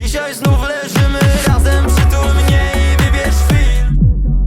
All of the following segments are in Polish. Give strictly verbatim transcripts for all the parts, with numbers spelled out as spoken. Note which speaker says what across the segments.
Speaker 1: Dzisiaj znów leżymy razem, przytul mnie i wybierz film.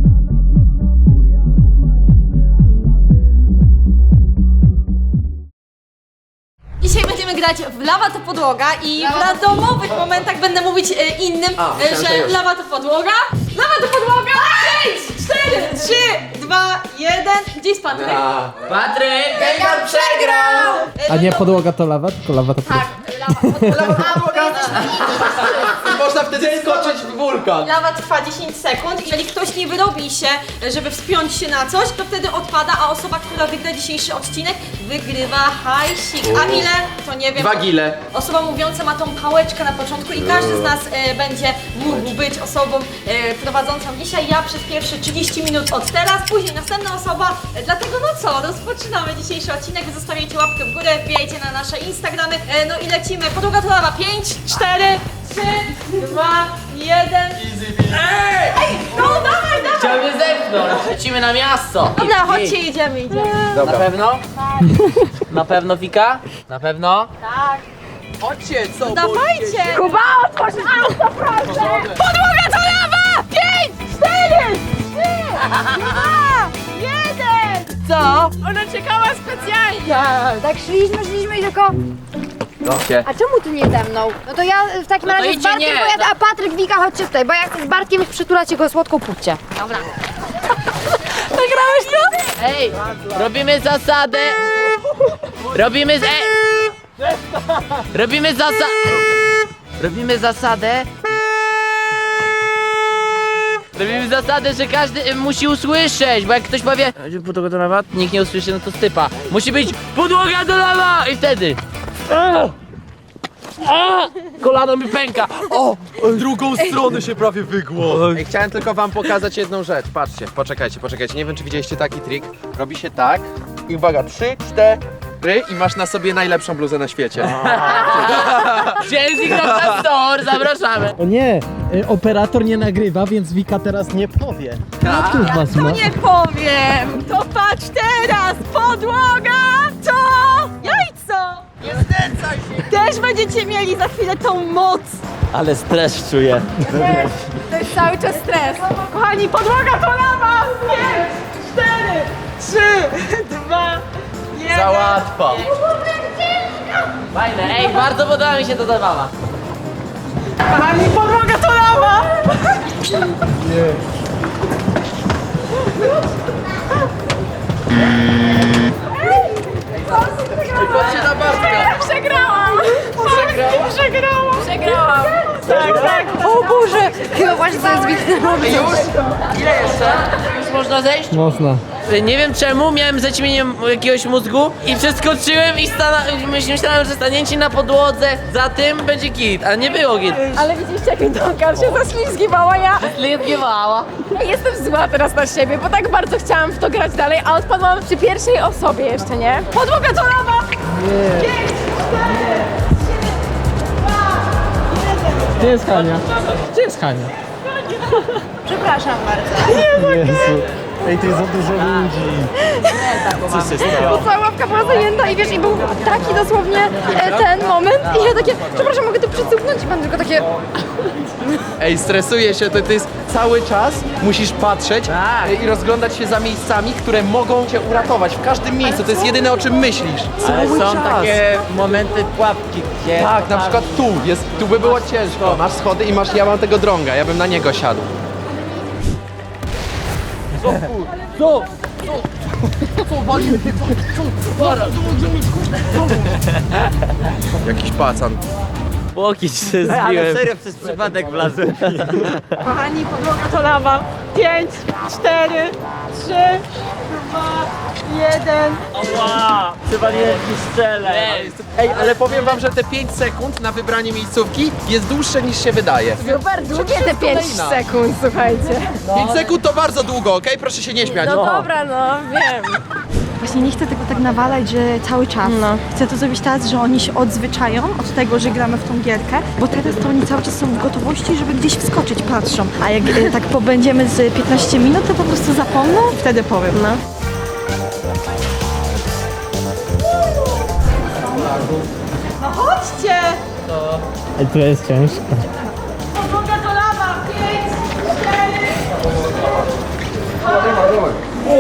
Speaker 2: Dzisiaj będziemy grać w Lawa to podłoga i w randomowych momentach będę mówić e, innym,
Speaker 3: A,
Speaker 2: e, że lawa to podłoga. Lawa to podłoga! pięć, cztery, trzy, dwa, jeden. Gdzie jest Patryk?
Speaker 3: Patryk! Gengar przegrał!
Speaker 2: E,
Speaker 4: A nie
Speaker 2: no to-
Speaker 4: podłoga to lawa, tylko lawa to podłoga.
Speaker 2: Tak, lawa, podłoga.
Speaker 3: Można wtedy skoczyć w wulkan.
Speaker 2: Lawa trwa dziesięć sekund. Jeżeli ktoś nie wyrobi się, żeby wspiąć się na coś, to wtedy odpada, a osoba, która wygra dzisiejszy odcinek, wygrywa hajsik. A ile? To nie wiem.
Speaker 3: Dwa gile.
Speaker 2: Osoba mówiąca ma tą pałeczkę na początku i każdy z nas e, będzie mógł być osobą e, prowadzącą dzisiaj. Ja przez pierwsze trzydzieści minut od teraz, później następna osoba. E, dlatego no co, rozpoczynamy dzisiejszy odcinek. Wy zostawiajcie łapkę w górę, wbijajcie na nasze Instagramy. E, no i lecimy. Podłoga to lawa. pięć, cztery, trzy, dwa, jeden. Ej, no dawaj, dawaj.
Speaker 5: Chciał mnie zepchnąć. Lecimy na miasto.
Speaker 2: Dobra, chodźcie, jedziemy, idziemy.
Speaker 5: Na pewno? Na pewno, Wika? Na pewno?
Speaker 2: Tak.
Speaker 3: Chodźcie, co?
Speaker 2: Dawajcie! Kuba, otworz auto, proszę! Podłoga to lawa! Pięć, cztery, trzy, dwa, jeden! Co? Ona czekała specjalnie!
Speaker 6: Tak szliśmy, szliśmy i tylko...
Speaker 3: Dobrze.
Speaker 6: A czemu ty nie ze mną? No to ja w takim
Speaker 5: No to
Speaker 6: razie z
Speaker 5: idźcie,
Speaker 6: Bartkiem
Speaker 5: nie.
Speaker 6: pojadę, a Patryk, Wika, chodźcie tutaj, bo ja chcę z Bartkiem przytulać jego słodką pupcie.
Speaker 2: Dobra.
Speaker 6: Nagrałeś to?
Speaker 5: Ej, robimy zasadę. Robimy z... Ej. Robimy zasadę. Robimy zasadę. Robimy zasadę, że każdy y, musi usłyszeć, bo jak ktoś powie podłoga do lawa, nikt nie usłyszy, no to stypa. Musi być podłoga do lawa i wtedy. A! A! Kolano mi pęka. O!
Speaker 3: Drugą stronę się prawie wygło. Ej, chciałem tylko wam pokazać jedną rzecz. Patrzcie, poczekajcie, poczekajcie. Nie wiem, czy widzieliście taki trik. Robi się tak i uwaga, trzy, cztery i masz na sobie najlepszą bluzę na świecie.
Speaker 5: Chelsea Kropka Store, zapraszamy.
Speaker 4: O nie, y, operator nie nagrywa, więc Wika teraz nie powie.
Speaker 5: Tak.
Speaker 4: Który z was
Speaker 2: To
Speaker 4: ma?
Speaker 2: nie powiem! To patrz teraz! Podłoga! Co? Jajco!
Speaker 3: Nie znęcaj się!
Speaker 2: Też będziecie mieli za chwilę tą moc!
Speaker 4: Ale stres czuję.
Speaker 2: To jest cały czas stres. Kochani, podłoga to lawa! pięć, cztery, trzy, dwa, jeden.
Speaker 5: Za łatwo. Fajne, ej, bardzo podoba mi się to zabawa.
Speaker 2: Kochani, podłoga to lawa!
Speaker 3: Patrzcie na Bartka!
Speaker 2: Przegrałam! Przegrałam! Przegrałam! Przegrałam! Tak, tak!
Speaker 6: O Boże! Chyba właśnie to jest Wika.
Speaker 5: Już? Ile jeszcze? Już można zejść?
Speaker 4: Można.
Speaker 5: Nie wiem czemu, miałem zaćmienie jakiegoś mózgu i przeskoczyłem i stana- myślałem, że stanięcie na podłodze za tym będzie git, a nie było git.
Speaker 2: Ale widzieliście, jak mi Donka się zaślizgiwała, ja
Speaker 5: Lietgiewała.
Speaker 2: Ja jestem zła teraz na siebie, bo tak bardzo chciałam w to grać dalej, a odpadłam przy pierwszej osobie jeszcze, nie? Podłoga to lawa! pięć, cztery,
Speaker 4: Gdzie jest Hania? Gdzie jest Hania?
Speaker 2: Przepraszam bardzo.
Speaker 4: Jezu. Ej, tu jest za dużo ludzi. Co się stało?
Speaker 6: Cała łapka była zajęta i wiesz, i był taki dosłownie e, ten moment i ja takie, przepraszam, mogę tu przycupnąć i pan tylko takie...
Speaker 3: Ej, stresuję się, to, to jest cały czas musisz patrzeć
Speaker 5: Tak.
Speaker 3: e, i rozglądać się za miejscami, które mogą cię uratować. W każdym miejscu, to jest jedyne, o czym myślisz.
Speaker 5: Ale
Speaker 3: Cały
Speaker 5: są
Speaker 3: czas.
Speaker 5: takie momenty pułapki, gdzie...
Speaker 3: Tak, na przykład tu, jest, tu by było ciężko. Masz schody i masz, ja mam tego drąga, ja bym na niego siadł.
Speaker 5: Co?
Speaker 3: Jakiś pacan.
Speaker 5: Łokieć się zbiłem. Ale serio przez przypadek wlazłem.
Speaker 2: Kochani, podłoga to lawa. pięć, cztery, trzy, dwa, jeden.
Speaker 5: Ła! Chyba nie strzelę.
Speaker 3: Ej, ale powiem wam, że te pięć sekund na wybranie miejscówki jest dłuższe niż się wydaje.
Speaker 6: Super długie te pięć
Speaker 3: kolejna.
Speaker 6: sekund, słuchajcie.
Speaker 3: pięć sekund to bardzo długo, okej? Proszę się nie śmiać.
Speaker 6: No dobra, no, wiem.
Speaker 7: Właśnie nie chcę tego tak nawalać, że cały czas.
Speaker 6: No.
Speaker 7: Chcę to zrobić teraz, że oni się odzwyczają od tego, że gramy w tą gierkę, bo teraz to oni cały czas są w gotowości, żeby gdzieś wskoczyć, patrzą. A jak e, tak pobędziemy z piętnaście minut, to po prostu zapomną, wtedy powiem. No.
Speaker 2: No chodźcie!
Speaker 4: Ej, tu jest ciężko.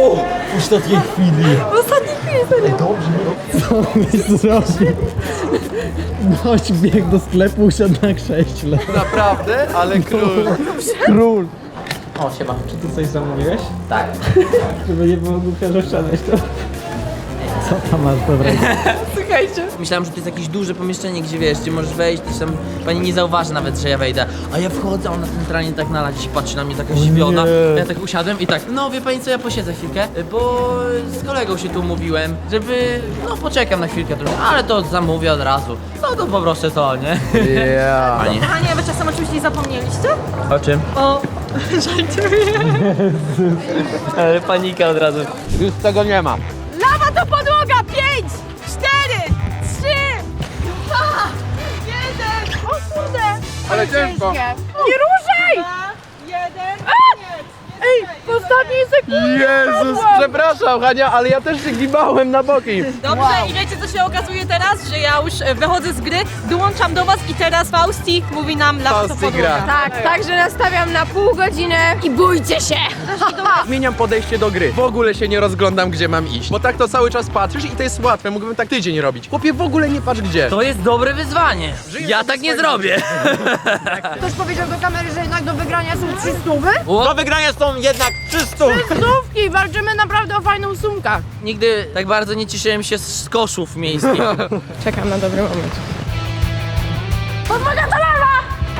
Speaker 4: W ostatniej chwili.
Speaker 6: W ostatniej chwili, serio.
Speaker 4: Co byś zrobił? Gość biegł do sklepu, usiadł na krześle.
Speaker 3: Naprawdę? Ale król.
Speaker 4: Król.
Speaker 5: O, siema.
Speaker 4: Czy ty coś zamówiłeś?
Speaker 5: Tak.
Speaker 4: Żeby nie było głupio, że wszedłeś to. Co tam masz dobrego?
Speaker 2: Słuchajcie.
Speaker 5: Myślałem, że to jest jakieś duże pomieszczenie, gdzie wiesz, gdzie możesz wejść, gdzieś tam pani nie zauważy nawet, że ja wejdę. A ja wchodzę, a ona centralnie tak na ladzie patrzy na mnie taka zdziwiona.
Speaker 4: nie.
Speaker 5: Ja tak usiadłem i tak, no wie pani co, ja posiedzę chwilkę, bo z kolegą się tu umówiłem, żeby, no poczekam na chwilkę trochę, ale to zamówię od razu. No to po prostu to, nie?
Speaker 3: Yeah.
Speaker 5: Pani.
Speaker 2: Kochani, a wy czasem oczywiście zapomnieliście?
Speaker 5: O czym?
Speaker 2: O, żartuję.
Speaker 5: Ale panika od razu.
Speaker 3: Już tego nie ma.
Speaker 2: Lawa to podłoga! Pięć, cztery, trzy, dwa, jeden. O kurde!
Speaker 3: Ale ciężko.
Speaker 6: Nie ruszaj!
Speaker 2: Dwa, jeden, koniec.
Speaker 6: Ej, w ostatniej sekundzie.
Speaker 3: Jezus, przepraszam Hania, ale ja też się gibałem na boki.
Speaker 2: Dobrze, i wiecie co się okazuje teraz? Że ja już e, wychodzę z gry, dołączam do was i teraz Fausti mówi nam lawa to
Speaker 3: Fausti
Speaker 2: podłoga.
Speaker 3: gra.
Speaker 6: Tak, także nastawiam na pół godziny i bójcie się.
Speaker 3: Zmieniam podejście do gry. W ogóle się nie rozglądam, gdzie mam iść. Bo tak to cały czas patrzysz i to jest łatwe. Mógłbym tak tydzień robić. Chłopie, w ogóle nie patrz gdzie.
Speaker 5: To jest dobre wyzwanie. Ja tak nie zrobię.
Speaker 6: Ktoś powiedział do kamery, że jednak do wygrania są trzy stówy?
Speaker 5: Do wygrania są jednak trzy stówy.
Speaker 6: Stówki, walczymy naprawdę o fajną sumkę.
Speaker 5: Nigdy tak bardzo nie cieszyłem się z koszów miejskich.
Speaker 6: Czekam na dobry moment. Podłoga to lawa!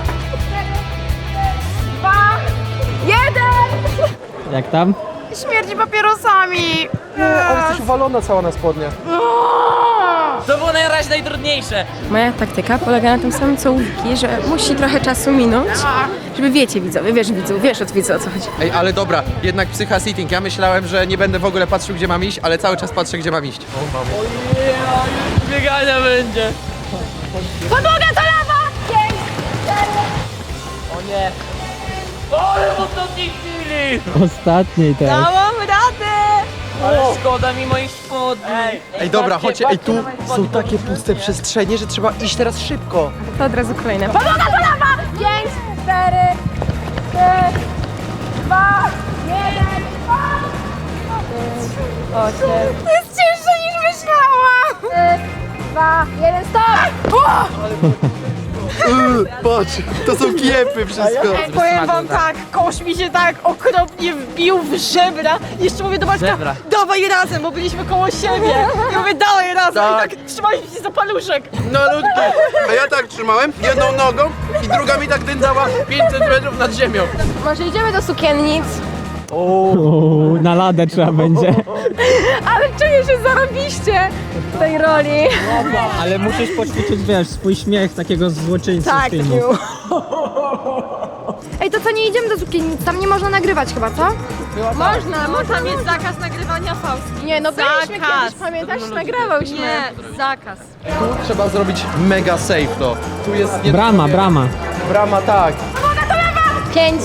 Speaker 6: Dwa, jeden!
Speaker 4: Jak tam?
Speaker 6: Śmierdzi papierosami!
Speaker 3: Ale jesteś uwalona cała na spodnie.
Speaker 5: To było najraźniej najtrudniejsze.
Speaker 8: Moja taktyka polega na tym samym co u Wiki, że musi trochę czasu minąć, żeby wiecie widzowie, wiesz widzu, wiesz od widza o co chodzi.
Speaker 3: Ej, ale dobra, jednak psycha sitting. Ja myślałem, że nie będę w ogóle patrzył, gdzie mam iść, ale cały czas patrzę, gdzie mam iść.
Speaker 5: Biegania będzie.
Speaker 6: Podłoga to lawa! Pięć, cztery,
Speaker 5: O nie. Ale w ostatniej chwili.
Speaker 4: Ostatniej teraz.
Speaker 2: Dałam radę!
Speaker 5: Ale szkoda mi moich spodni.
Speaker 3: Ej, dobra,
Speaker 5: patrzcie,
Speaker 3: chodźcie, ej,
Speaker 5: patrzcie
Speaker 3: tu
Speaker 5: na moje
Speaker 3: są
Speaker 5: spodnie.
Speaker 3: takie puste przestrzenie, że trzeba iść teraz szybko.
Speaker 8: To od razu kolejne.
Speaker 6: podłoga to lawa! Pięć, cztery, trzy, dwa, jeden, osiem. To jest cięższe niż myślałam! Trzy, dwa, jeden, stop!
Speaker 3: Yy, patrz, to są kiepy wszystko.
Speaker 2: Powiem wam tak, kosz mi się tak okropnie wbił w żebra. Jeszcze mówię do Bartka,
Speaker 5: Żebra.
Speaker 2: dawaj razem, bo byliśmy koło siebie. I mówię, dawaj razem.
Speaker 3: Tak.
Speaker 2: I tak trzymaliśmy się za paluszek.
Speaker 3: No ludki. A ja tak trzymałem jedną nogą i druga mi tak dędzała pięć centymetrów nad ziemią.
Speaker 6: Może idziemy do sukiennic?
Speaker 4: Uuu, na ladę trzeba będzie.
Speaker 6: Ale czuję się zarobiście w tej roli.
Speaker 4: Ale musisz poćwiczyć, wiesz, swój śmiech takiego złoczyńcy z filmu.
Speaker 6: Ej, to co, nie idziemy do sukiennic? Tam nie można nagrywać chyba, co? Można,
Speaker 2: Bo tam jest zakaz nagrywania Fausti.
Speaker 6: Nie, no byliśmy
Speaker 2: Zakaz.
Speaker 6: kiedyś, pamiętasz? Nagrywałyśmy.
Speaker 2: Nie, zakaz.
Speaker 3: Tu trzeba zrobić mega safe to. Tu jest nie
Speaker 4: Brama, brama.
Speaker 3: brama, tak.
Speaker 6: Pięć.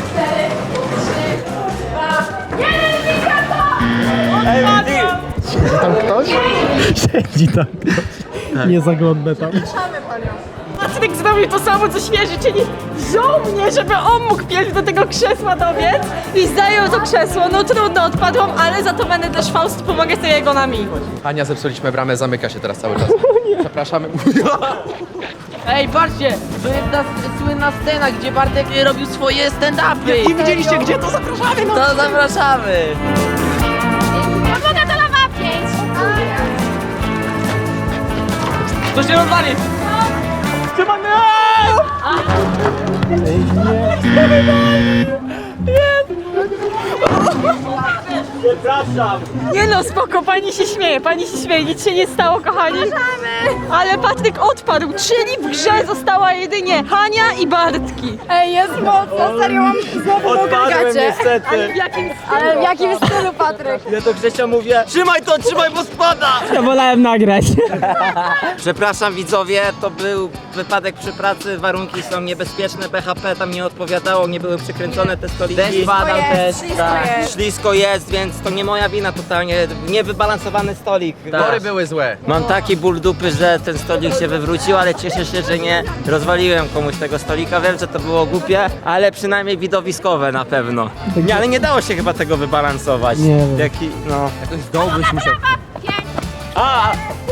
Speaker 3: Tam ktoś?
Speaker 4: Siedzi tam. Nie zaglądnę tam.
Speaker 2: Patryk zrobił to samo co świeży, czyli wziął mnie, żeby on mógł pierw do tego krzesła dobiec i zajął to krzesło. No trudno, odpadłam, ale za to będę też Fausti pomagać z jego nami.
Speaker 3: Ania, zepsuliśmy bramę, zamyka się teraz cały czas. Przepraszamy.
Speaker 5: Ej, patrzcie, to jest ta słynna scena, gdzie Bartek robił swoje stand-upy.
Speaker 3: I widzieliście gdzie? To zapraszamy. No.
Speaker 5: To zapraszamy.
Speaker 6: Podłoga to lawa! Pięć.
Speaker 5: To się rozwali.
Speaker 2: Nie no, spoko, pani się śmieje, pani się śmieje, nic się nie stało, kochani. Ale Patryk odpadł, czyli w grze została jedynie Hania i Bartki.
Speaker 6: Ej, jest mocno, serio mam znowu mokre gacie.
Speaker 2: Ale w jakim
Speaker 6: Ale w jakim stylu, Patryk?
Speaker 9: Ja do Grzesia mówię, trzymaj to, trzymaj, bo spada!
Speaker 4: Ja wolałem nagrać.
Speaker 9: Przepraszam widzowie, to był wypadek przy pracy, warunki są niebezpieczne, B H P tam nie odpowiadało, nie były przykręcone te stoliki.
Speaker 5: Deszcz padał też.
Speaker 6: Ślisko
Speaker 5: Tak.
Speaker 6: jest.
Speaker 9: Ślisko jest, więc to nie moja wina totalnie, niewybalansowany stolik.
Speaker 3: Tory były złe.
Speaker 9: Mam taki ból dupy dupy, że ten stolik się wywrócił, ale cieszę się, że nie rozwaliłem komuś tego stolika. Wiem, że to było głupie, ale przynajmniej widowiskowe na pewno. Nie, ale nie dało się chyba tego wybalansować.
Speaker 4: Nie wiem.
Speaker 9: Jaki, no...
Speaker 3: Jakoś z dołu byś musiał...
Speaker 9: A!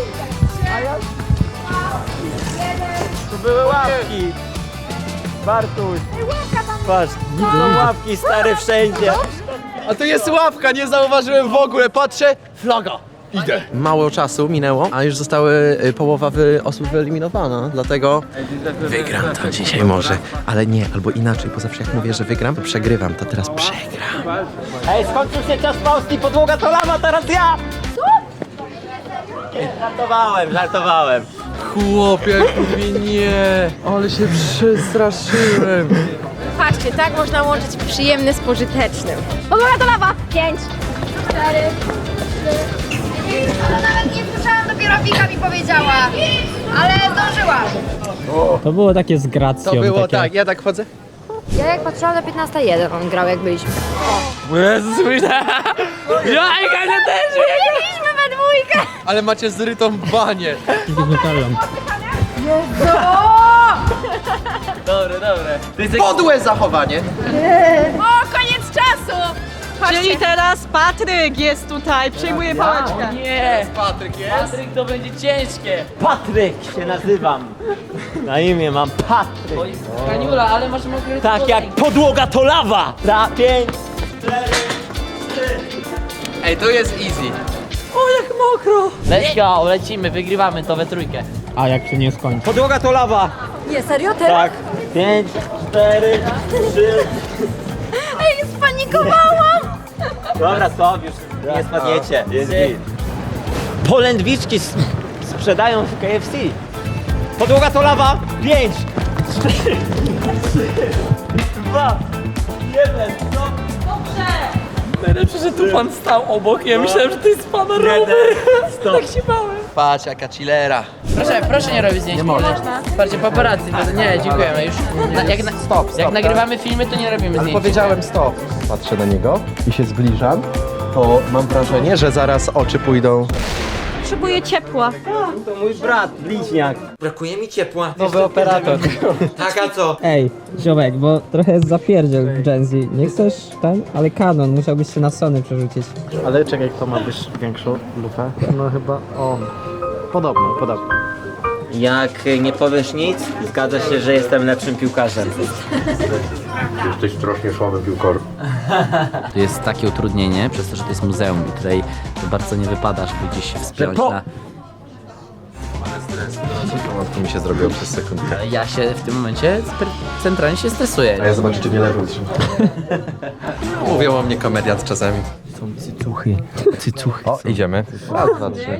Speaker 9: Tu były łapki! Bartuś! Patrz, są łapki stare wszędzie!
Speaker 3: A to jest łapka, nie zauważyłem w ogóle, patrzę, flaga. Idę. Mało czasu minęło, a już zostały y, połowa wy, osób wyeliminowana, dlatego wygram to dzisiaj może, ale nie, albo inaczej, bo zawsze jak mówię, że wygram, to przegrywam, to teraz przegram.
Speaker 9: Ej, skończył się czas Polski, podłoga to lawa, teraz ja! Co? Żartowałem, żartowałem.
Speaker 3: Chłopie, mówię nie, ale się przestraszyłem.
Speaker 8: Patrzcie, tak można łączyć przyjemne z pożytecznym. Podłoga to lawa! Pięć, cztery,
Speaker 6: Ale nawet nie słyszałam, dopiero Wika mi powiedziała. Ale zdążyłam.
Speaker 4: To było takie z gracją.
Speaker 3: To było
Speaker 4: takie...
Speaker 3: tak, ja tak chodzę.
Speaker 6: Ja jak patrzyłam na piętnaście jeden, on grał jak byliśmy.
Speaker 5: Jezus, myślałem. Ja, Ega, też!
Speaker 6: Byliśmy we dwójkę.
Speaker 3: Ale macie zrytą banię.
Speaker 5: Dobre, dobre. Ty jesteś...
Speaker 3: Podłe zachowanie.
Speaker 8: O, koniec czasu!
Speaker 2: Czyli teraz Patryk jest tutaj, przejmuje pałeczkę.
Speaker 5: Nie!
Speaker 3: Patryk jest?
Speaker 5: Patryk, to będzie ciężkie.
Speaker 9: Patryk się nazywam. Na imię mam Patryk.
Speaker 5: Oj, Kaniula, ale masz mokry
Speaker 9: Tak jak podłoga to lawa! Za pięć,
Speaker 3: Ej, to jest easy.
Speaker 5: Let's go, lecimy, wygrywamy to we trójkę.
Speaker 4: A jak się nie skończy?
Speaker 9: podłoga to lawa!
Speaker 6: Nie, serio? Teraz?
Speaker 9: Tak. Pięć, cztery, trzy.
Speaker 6: Ej, spanikowałam.
Speaker 9: Dobra, stop, już nie spadniecie. Jest git. Polędwiczki s- sprzedają w K F C. Podłoga to lawa. Pięć, cztery, trzy, dwa, jeden. Stop.
Speaker 5: Najlepsze, że tu pan stał obok, ja myślałem, że to jest pan
Speaker 9: Jeden. Stop.
Speaker 5: Tak się bałem.
Speaker 3: Patrz, jaka chillera.
Speaker 5: Proszę, proszę nie robić zdjęć. Nie można. Patrzcie, paparazzi, to nie, dziękujemy już. Na, jak, na,
Speaker 3: Stop, stop.
Speaker 5: jak nagrywamy filmy, to nie robimy
Speaker 3: Ale
Speaker 5: zdjęć.
Speaker 3: powiedziałem stop. Patrzę na niego i się zbliżam, to mam wrażenie, że zaraz oczy pójdą.
Speaker 2: Potrzebuję ciepła.
Speaker 9: To mój brat, bliźniak. Brakuje mi ciepła. Nowy operator. Tak, a co?
Speaker 4: Ej, ziomek, bo trochę jest zapierdziel w Gen Z. Nie chcesz ten? Ale Canon, musiałbyś się na Sony przerzucić. Ale czekaj, kto ma być większą lufę? No chyba on. Podobno, podobno.
Speaker 9: Jak nie powiesz nic, zgadza się, że jestem lepszym piłkarzem.
Speaker 10: Jesteś strasznie słabym piłkarzem.
Speaker 5: To jest takie utrudnienie, przez to, że to jest muzeum i tutaj to bardzo nie wypada, żeby gdzieś się wspiąć
Speaker 9: po-
Speaker 5: na...
Speaker 3: To mi się zrobiło przez sekundkę.
Speaker 5: Ja się w tym momencie spry- centralnie się stresuję.
Speaker 3: A ja zobaczę, czy nie leżą. Mówią o mnie komediant czasami.
Speaker 4: Cycuchy. Cycuchy.
Speaker 3: O, idziemy. Raz, dwa, trzy.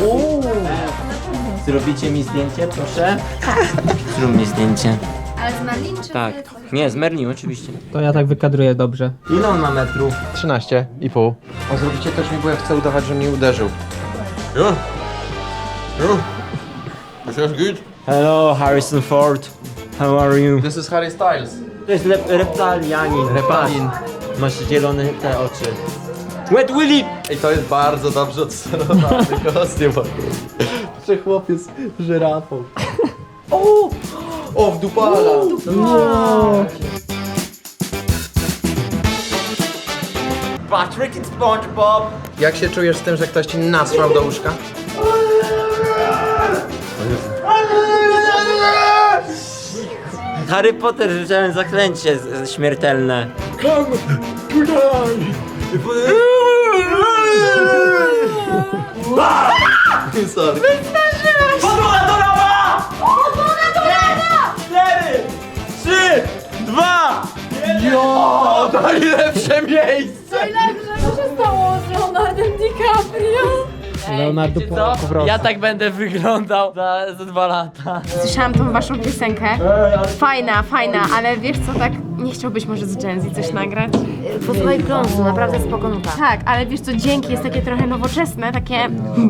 Speaker 9: Zrobicie mi zdjęcie, proszę? Zrób mi zdjęcie.
Speaker 6: Ale z Merlin czy...
Speaker 9: Tak. Nie, z Merlin oczywiście.
Speaker 4: To ja tak wykadruję dobrze.
Speaker 9: Ile on ma metrów?
Speaker 3: trzynaście i pół. O, zrobicie też mi, bo ja chcę udawać, że mnie uderzył. Jo! Jo! This is good.
Speaker 9: Hello, Harrison Ford. How are you?
Speaker 3: This is Harry Styles.
Speaker 9: To jest lep- reptalianin.
Speaker 3: Reptalin.
Speaker 9: Masz zielone te oczy. Wet Willy!
Speaker 3: I to jest bardzo dobrze odsterowany kostium. Czy chłopiec z żyrafą. O! O, w dupala!
Speaker 9: Patrick i SpongeBob!
Speaker 3: Jak się czujesz z tym, że ktoś ci nasrał do łóżka?
Speaker 9: Harry Potter rzucałem zaklęcie z- z- śmiertelne.
Speaker 3: Sorry.
Speaker 9: Podłoga do lawa! Podłoga do lawa! Cztery, trzy, dwa,
Speaker 3: O, najlepsze miejsce!
Speaker 6: Co się stało z Leonardem DiCaprio?
Speaker 4: Leonardo po,
Speaker 5: Co?
Speaker 4: po prostu.
Speaker 5: Ja tak będę wyglądał za, za dwa lata.
Speaker 8: Słyszałam tą waszą piosenkę. Fajna, fajna, ale wiesz co, tak nie chciałbyś może z Gen Z coś nagrać?
Speaker 6: Posłuchaj Kląsu, naprawdę spoko nuta.
Speaker 8: Tak, ale wiesz co, dzięki jest takie trochę nowoczesne, takie...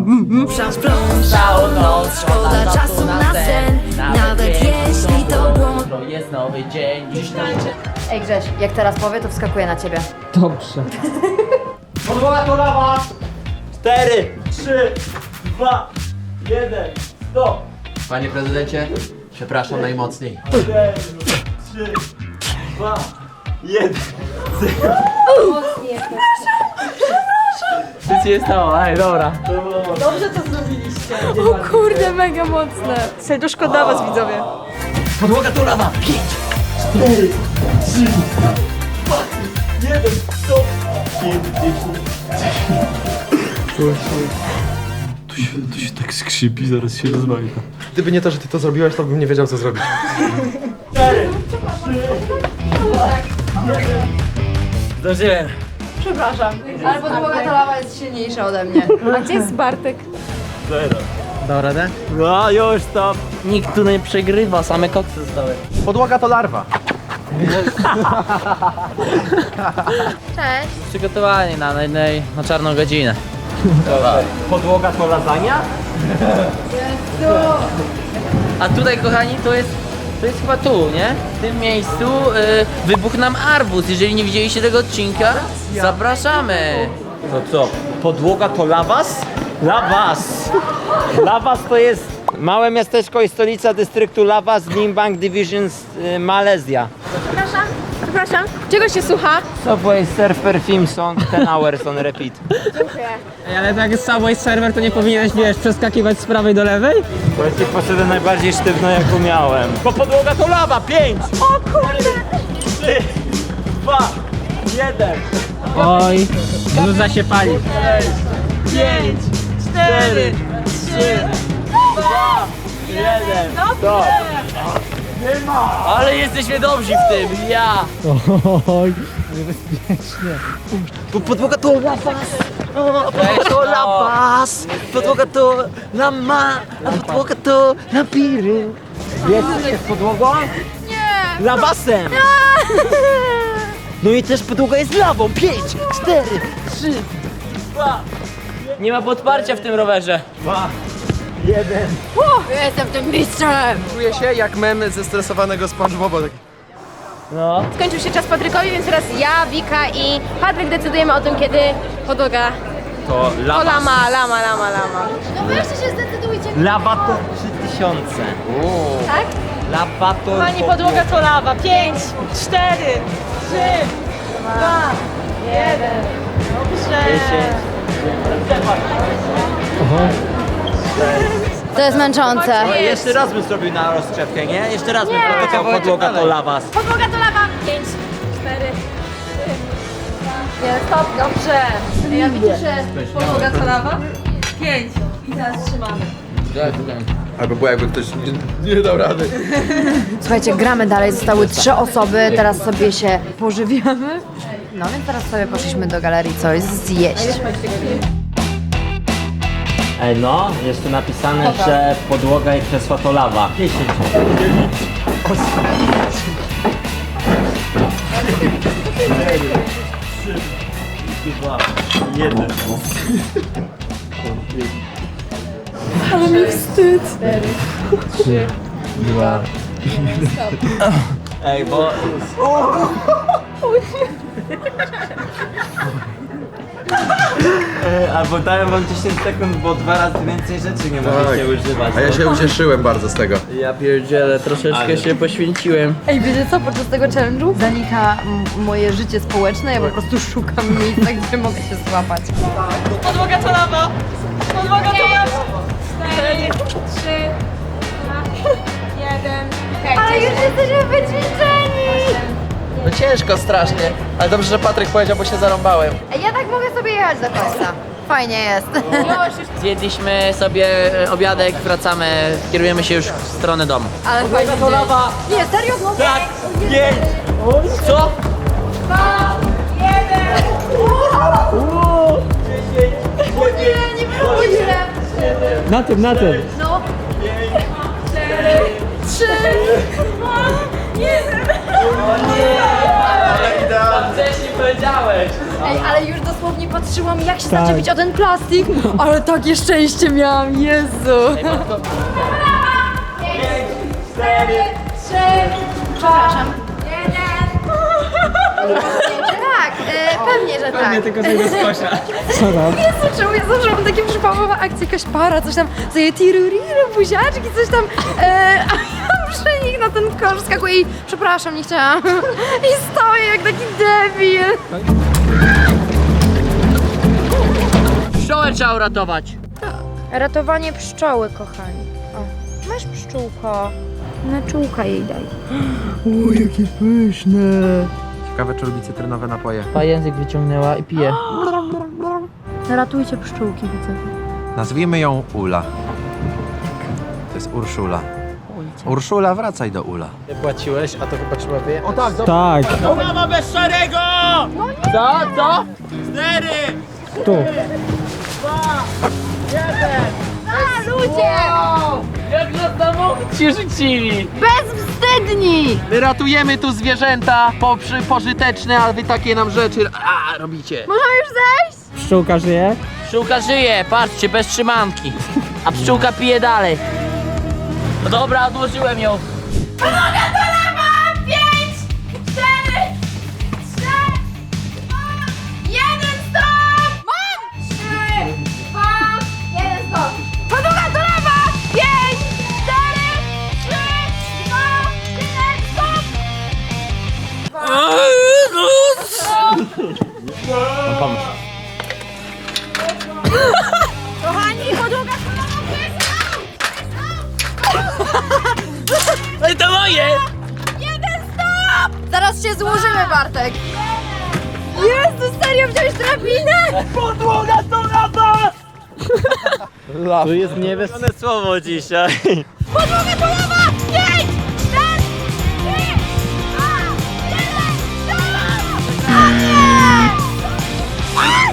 Speaker 5: Całą noc,
Speaker 6: Szkoda czasu na sen, nawet jeśli to błąd.
Speaker 5: To jest nowy dzień, dziś tańczę.
Speaker 6: Ej Grześ, jak teraz powie, to wskakuje na ciebie.
Speaker 4: Dobrze.
Speaker 9: podłoga to lawa! Cztery, trzy, dwa, jeden.
Speaker 3: Panie prezydencie, przepraszam najmocniej.
Speaker 5: Co ci się stało? Ej, dobra.
Speaker 2: Dobrze to zrobiliście.
Speaker 8: O kurde, mega mocne.
Speaker 7: Serduszko dla was, widzowie.
Speaker 9: Podłoga to lawa!
Speaker 3: Gdyby nie to, że ty to zrobiłeś, to bym nie wiedział co zrobić.
Speaker 5: Zdążyłem.
Speaker 6: Ale podłoga to lawa jest silniejsza ode mnie.
Speaker 8: A gdzie jest Bartek?
Speaker 4: Dał radę?
Speaker 9: No już stop!
Speaker 5: Nikt tu nie przegrywa, same koksy zostały.
Speaker 3: Podłoga to larwa.
Speaker 6: Cześć.
Speaker 5: Przygotowani na, na, na, na czarną godzinę.
Speaker 9: Podłoga to lasagna?
Speaker 5: A tutaj, kochani, to jest, to jest chyba tu, nie? W tym miejscu y, wybuchł nam arbuz. Jeżeli nie widzieliście tego odcinka, zapraszamy.
Speaker 9: No co? Podłoga to lawas? Lawas! Lawas to jest małe miasteczko i stolica dystryktu Lawas, Limbang Division, y, Malezja.
Speaker 8: Przepraszam, przepraszam. Czego się słucha?
Speaker 9: Subway Surfer Theme Song ten hours on repeat.
Speaker 4: Ej, ale tak jest Subway Server, to nie powinieneś, wiesz, przeskakiwać z prawej do lewej?
Speaker 9: Właśnie poszedłem najbardziej sztywno jak umiałem. Bo podłoga to lawa! Pięć! O kurde! Trzy, dwa, jeden.
Speaker 4: Oj, bluza się pali.
Speaker 9: Pięć, cztery, trzy, dwa, jeden. Stop!
Speaker 5: Ale jesteśmy dobrzy w tym, ja.
Speaker 4: Oj, niebezpiecznie.
Speaker 9: Bo podłoga to lawas! Podłoga to lawas! Podłoga to lama! A podłoga to lampiry! Wiesz, jest podłogą? Nie! Lawasem! No i też podłoga jest lawą! Pięć, cztery, trzy, dwa,
Speaker 5: Nie ma podparcia w tym rowerze.
Speaker 9: dwa, jeden.
Speaker 8: Jestem tym mistrzem.
Speaker 3: Czuję się jak mem ze stresowanego SpongeBoba.
Speaker 5: No.
Speaker 8: Skończył się czas Patrykowi, więc teraz ja, Wika i Patryk decydujemy o tym, kiedy podłoga
Speaker 9: To
Speaker 8: to
Speaker 9: lawas.
Speaker 8: lama, lama, lama, lama.
Speaker 6: No weźcie się zdecydujcie.
Speaker 9: Lawa to trzy tysiące.
Speaker 8: Tak?
Speaker 9: Lawa to...
Speaker 2: Pani podłoga to lawa. Pięć, cztery, trzy, dwa, jeden. Dobrze.
Speaker 6: To jest męczące.
Speaker 9: Ale jeszcze raz bym zrobił na rozgrzewkę, nie? Jeszcze raz bym powiedział podłoga to lawas.
Speaker 8: Podłoga to lawa. Pięć, cztery.
Speaker 2: Nie, stop, dobrze. Ja widzę, że podłoga to lawa. Pięć. I teraz trzymamy.
Speaker 3: Albo było jakby ktoś nie, nie dał rady.
Speaker 6: Słuchajcie, gramy dalej, zostały trzy osoby, teraz sobie się pożywiamy. No więc teraz sobie poszliśmy do galerii coś zjeść.
Speaker 9: Ej no, jest tu napisane, że podłoga i krzesła to lawa. dziesięć. jeden. Ej, bo... Ej, albo dają wam dziesięć sekund, bo dwa razy więcej rzeczy nie możecie używać.
Speaker 3: A ja się ucieszyłem bardzo z tego.
Speaker 5: Ja pierdzielę, troszeczkę
Speaker 9: Ale-
Speaker 5: się poświęciłem.
Speaker 6: Ej, wiecie co, podczas tego challenge'u zanika m- moje życie społeczne, ja po prostu szukam miejsca, gdzie mogę się złapać.
Speaker 2: Podłoga to lawa. Podłoga to lawa.
Speaker 8: Cztery, trzy, dwa, jeden.
Speaker 6: Ale już jesteśmy wyćwiczeni!
Speaker 3: No ciężko strasznie, ale dobrze, że Patryk powiedział, bo się zarąbałem.
Speaker 6: Ej, ja tak mogę sobie jechać do końca. Fajnie jest.
Speaker 5: Zjedliśmy sobie e, obiadek, wracamy, kierujemy się już w stronę domu.
Speaker 6: Ale fajnie. To lawa. Nie, serio? No,
Speaker 9: Tak, pięć.
Speaker 5: Co?
Speaker 6: nie, nie było źle.
Speaker 4: Na tym, na tym.
Speaker 6: No.
Speaker 2: Trzy, dwa, jeden.
Speaker 5: Wcześniej powiedziałeś.
Speaker 6: Ej, ale już dosłownie patrzyłam, jak się zaczepić o ten plastik, ale takie szczęście miałam, Jezu.
Speaker 8: Cztery, trzy,
Speaker 6: Przepraszam. Tak, y, pewnie, że tak.
Speaker 4: tylko tego skosza. Co tam?
Speaker 6: Jezu, czemu ja zawsze mam takie przypałowe akcje, jakaś para, coś tam, sobie tiruriru, buziaczki, coś tam, e, a ja przy nich na ten kosz skakuję i przepraszam, nie chciałam. I stoję jak taki debil.
Speaker 5: Pszczołę trzeba uratować.
Speaker 6: Ratowanie pszczoły, kochani. O, masz pszczółko. Na czółka jej daj.
Speaker 3: Ciekawe, czy lubi cytrynowe napoje.
Speaker 5: Pa język wyciągnęła i pije.
Speaker 6: Ratujcie pszczółki, widzę.
Speaker 3: Nazwijmy ją Ula. To jest Urszula. Urszula, wracaj do Ula.
Speaker 4: Nie płaciłeś, a to chyba trzeba wyjechać. O tak, tak.
Speaker 9: Ulawa bez szarego!
Speaker 5: Co? Co?
Speaker 4: Tu.
Speaker 6: A, ludzie!
Speaker 5: Jak nas samochód się rzucili!
Speaker 6: Bezwstydni!
Speaker 3: My ratujemy tu zwierzęta poprzy, pożyteczne, a wy takie nam rzeczy a, robicie.
Speaker 6: Możemy już zejść?
Speaker 4: Pszczółka żyje?
Speaker 5: Pszczółka żyje, patrzcie, bez trzymanki. A pszczółka pije dalej. No dobra, odłożyłem ją.
Speaker 6: Podłoga do lewa! Pięć, cztery, trzy, dwa, jeden, stop! Mam! Trzy, dwa, jeden, stop! Podłoga do lewa! Pięć, cztery, trzy, dwa, jeden, stop! Kochani, podłoga do lewa!
Speaker 5: Ale to moje!
Speaker 6: Jeden, stop! Zaraz się złożymy, Bartek. Jezu, serio wziąłeś drabinę?
Speaker 5: Podłoga to lata!
Speaker 4: Tu jest niebezpieczne.
Speaker 9: One słowo dzisiaj.
Speaker 6: Podłoga do lewa! Pięć, cztery, trzy, dwa, jeden, stop! A nie! Aj!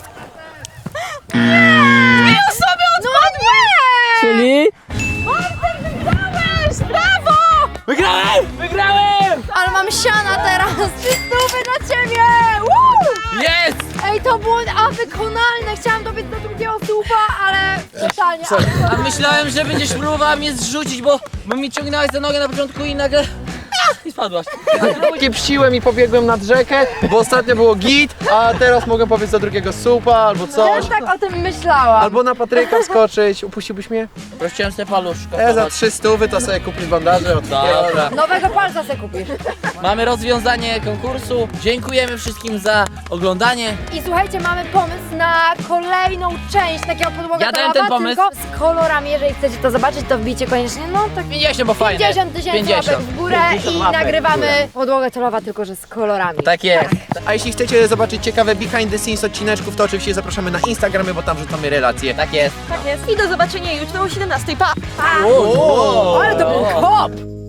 Speaker 6: Dwie osoby odpadły!
Speaker 4: Czyli?
Speaker 6: Bartek, wygrałeś! Brawo!
Speaker 5: Wygrałem! Wygrałem!
Speaker 6: Ale mam siana teraz! Trzy stówy dla ciebie! Woo!
Speaker 5: Jest!
Speaker 6: Ej, to było a wykonalne! Chciałam dobiec do drugiego słupa, ale totalnie.
Speaker 5: A myślałem, że będziesz próbowała mnie zrzucić, bo, bo mi ciągnęłaś za nogę na początku i nagle... A, i spadłaś.
Speaker 3: Kiepściłem i pobiegłem nad rzekę, bo ostatnio było git, a teraz mogę powiedzieć do drugiego supa albo coś.
Speaker 6: Też tak o tym myślałam.
Speaker 3: Albo na Patryka wskoczyć. Upuściłbyś mnie?
Speaker 5: Prosiłem sobie paluszko.
Speaker 3: E, za trzy stówy to sobie kupisz bandaże od
Speaker 5: Dobra.
Speaker 6: Nowego palca se kupisz.
Speaker 5: Mamy rozwiązanie konkursu. Dziękujemy wszystkim za oglądanie.
Speaker 6: I słuchajcie, mamy pomysł na kolejną część takiego podłoga
Speaker 5: Ja
Speaker 6: do
Speaker 5: dałem
Speaker 6: lawa,
Speaker 5: ten pomysł.
Speaker 6: tylko z kolorami. Jeżeli chcecie to zobaczyć, to wbijcie koniecznie, no tak
Speaker 5: pięćdziesiąt, bo fajne.
Speaker 6: pięćdziesiąt tysięcy łapek w górę i nagrywamy podłogę do lawa, tylko że z kolorami.
Speaker 5: Tak jest.
Speaker 3: A jeśli chcecie zobaczyć ciekawe behind the scenes odcineczków, to oczywiście zapraszamy na Instagramy, bo tam wrzucamy relacje.
Speaker 5: Tak jest.
Speaker 2: Tak jest. I do zobaczenia jutro o siedemnastej. Pa!
Speaker 6: Ale to był hop!